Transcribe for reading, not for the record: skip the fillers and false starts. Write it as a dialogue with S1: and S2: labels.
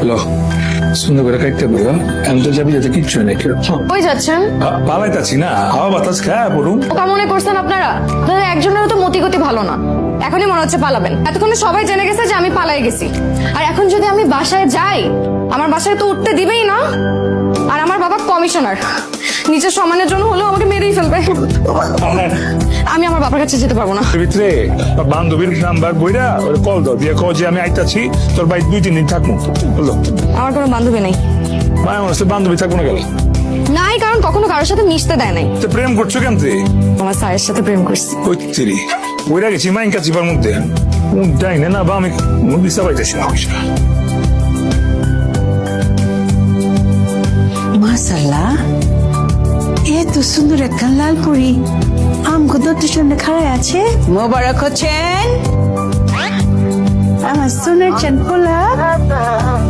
S1: লো সুন্দর করে কাটতে পারো আমি তো যাবি যাতে কিচ্ছু নেই
S2: কই যাচ্ছেন?
S1: পালাইতাছি না হাওয়া বাতাস খায় পড়ুন
S2: ওটা মনে করছেন আপনারা? আপনাদের একজনেরও তো মতিগতি ভালো না। এখনই মনে হচ্ছে পালাবেন। এতক্ষণে সবাই জেনে গেছে যে আমি পালাই গেছি। আর এখন যদি আমি বাসায় যাই, আমার বাসায় তো উঠতে দিবেই না। আর আমার বাবা কমিশনার, নিজের সম্মানের জন্য হলেও আমাকে মেরেই ফেলবে। আমি আমার বাবার কাছে যেতে পারবো না।
S1: ভিতরে বান্ধবীর নাম্বার বইরা ওর কল দাও দিয়ে কও যে আমি আইতাছি তোর বাড়ি 2-3 দিন থাকবো বললো
S2: আমার কোনো বান্ধবী নেই।
S1: মায়ের মনে হচ্ছে বান্ধবী থাকবো না গেল
S2: নাই, কারণ কখনো কারোর সাথে মিশতে দেয় নাই।
S1: তো প্রেম করছো কেন তুই
S2: আমার স্যারের সাথে প্রেম করছি।
S1: কইতেরি বইরা গেছি মাইন কাছিবার মধ্যে যাই না বা আমি দিশা পাইতেছি না পয়সা
S3: মাশাআল্লাহ এত সুন্দর একটা লাল পরি আমগো দত্তের সামনে খাড়ায় আছে। মোবারক হচ্ছেন আমার সোনার চাঁদ পোলা।